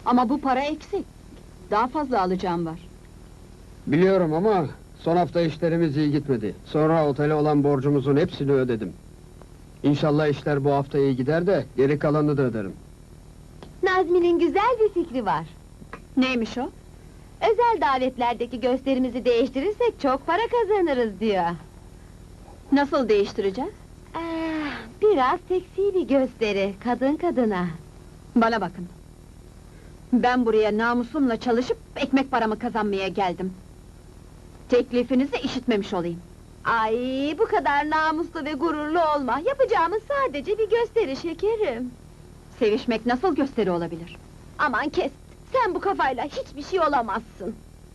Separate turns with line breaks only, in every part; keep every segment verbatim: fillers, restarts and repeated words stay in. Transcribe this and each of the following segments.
Ama bu para eksik. Daha fazla alacağım var.
Biliyorum ama son hafta işlerimiz iyi gitmedi. Sonra otele olan borcumuzun hepsini ödedim. İnşallah işler bu hafta iyi gider de geri kalanını da öderim.
Nazmi'nin güzel bir fikri var.
Neymiş o?
Özel davetlerdeki gösterimizi değiştirirsek çok para kazanırız diyor.
Nasıl değiştireceğiz?
Ah, biraz seksi bir gösteri, kadın kadına.
Bana bakın. Ben buraya namusumla çalışıp ekmek paramı kazanmaya geldim. Teklifinizi işitmemiş olayım.
Ay, bu kadar namuslu ve gururlu olma. Yapacağımız sadece bir gösteri şekerim.
Sevişmek nasıl gösteri olabilir?
Aman kes, sen bu kafayla hiçbir şey olamazsın.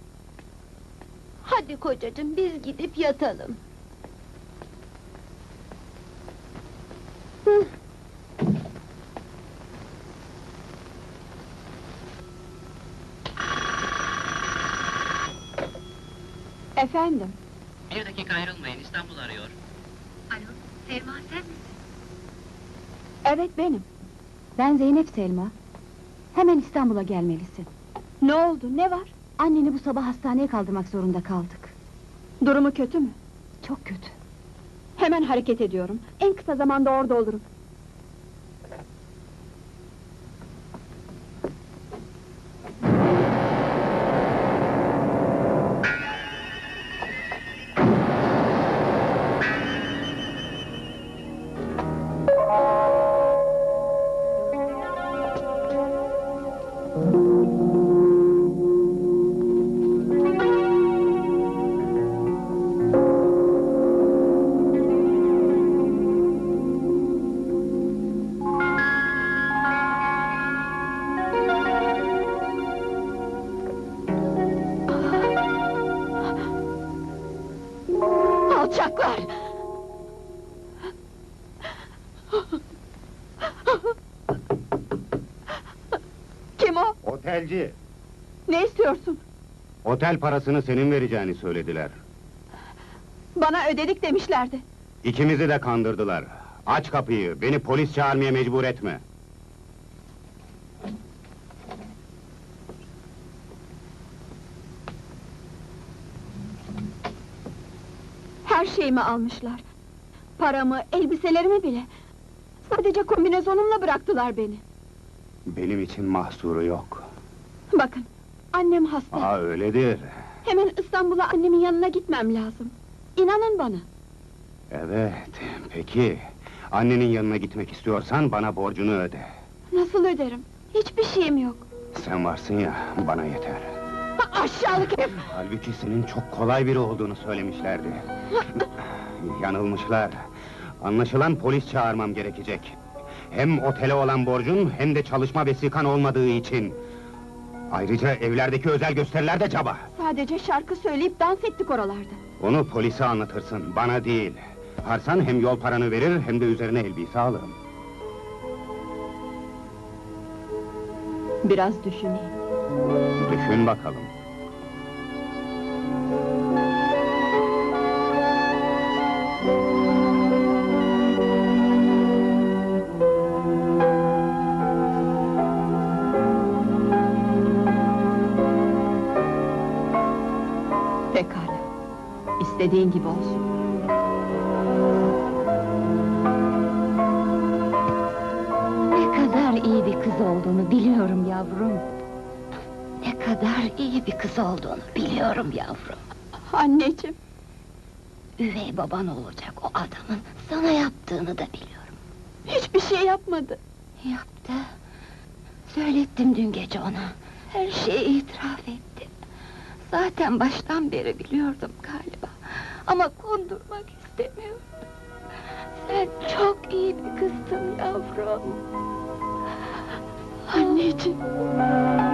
Hadi kocacığım, biz gidip yatalım. Hı.
Efendim?
Bir dakika ayrılmayın, İstanbul arıyor.
Alo, Selma sen misin?
Evet benim.
Ben Zeynep Selma. Hemen İstanbul'a gelmelisin.
Ne oldu, ne var?
Anneni bu sabah hastaneye kaldırmak zorunda kaldık.
Durumu kötü mü?
Çok kötü.
Hemen hareket ediyorum. En kısa zamanda orada olurum. Alçaklar! Kim o?
Otelci,
Ne istiyorsun?
otel parasını senin vereceğini söylediler.
Bana ödedik demişlerdi.
İkimizi de kandırdılar. Aç kapıyı, beni polis çağırmaya mecbur etme.
Her şeyimi almışlar. Paramı, elbiselerimi bile. Sadece kombinezonumla bıraktılar beni.
Benim için mahsuru yok.
Bakın, annem hasta.
Aa, öyledir.
Hemen İstanbul'a annemin yanına gitmem lazım. İnanın bana.
Evet, peki. Annenin yanına gitmek istiyorsan bana borcunu öde.
Nasıl öderim? Hiçbir şeyim yok.
Sen varsın ya, bana yeter.
Ha, aşağılık herif!
Halbuki senin çok kolay biri olduğunu söylemişlerdi. Yanılmışlar. Anlaşılan polis çağırmam gerekecek. Hem otele olan borcun, hem de çalışma vesikan olmadığı için. Ayrıca evlerdeki özel gösteriler de caba.
Sadece şarkı söyleyip dans ettik oralarda.
Onu polise anlatırsın, bana değil. Harsan hem yol paranı verir, hem de üzerine elbise alırım.
Biraz düşüneyim.
Düşün bakalım.
Pekala. İstediğin gibi olsun.
Ne kadar iyi bir kız olduğunu biliyorum yavrum. Ne kadar iyi bir kız olduğunu biliyorum yavrum.
Anneciğim!
Üvey baban olacak o adamın sana yaptığını da biliyorum.
Hiçbir şey yapmadı.
Yaptı. Söylettim dün gece ona. Her şeyi itiraf etti. Zaten baştan beri biliyordum galiba. Ama kondurmak istemiyordum. Sen çok iyi bir kızdın yavrum.
Anneciğim!